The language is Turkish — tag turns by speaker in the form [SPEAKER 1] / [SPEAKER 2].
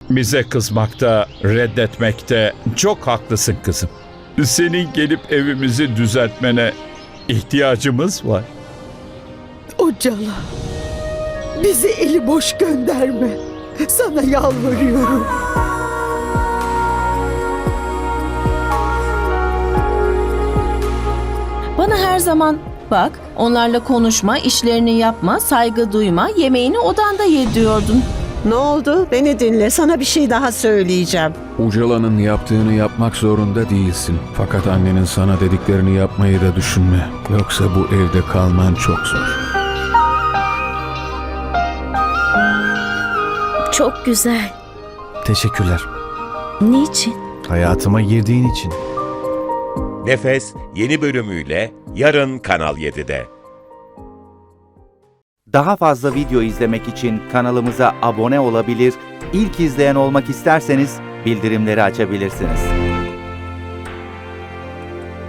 [SPEAKER 1] Bize kızmakta, reddetmekte çok haklısın kızım. Senin gelip evimizi düzeltmene ihtiyacımız var.
[SPEAKER 2] Ucala, bizi eli boş gönderme. Sana yalvarıyorum.
[SPEAKER 3] Bana her zaman bak, onlarla konuşma, işlerini yapma, saygı duyma, yemeğini odanda ye diyordun.
[SPEAKER 2] Ne oldu? Beni dinle. Sana bir şey daha söyleyeceğim.
[SPEAKER 4] Ucala'nın yaptığını yapmak zorunda değilsin. Fakat annenin sana dediklerini yapmayı da düşünme. Yoksa bu evde kalman çok zor.
[SPEAKER 5] Çok güzel.
[SPEAKER 6] Teşekkürler.
[SPEAKER 5] Niçin?
[SPEAKER 6] Hayatıma girdiğin için.
[SPEAKER 7] Nefes yeni bölümüyle yarın Kanal 7'de.
[SPEAKER 8] Daha fazla video izlemek için kanalımıza abone olabilir, ilk izleyen olmak isterseniz bildirimleri açabilirsiniz.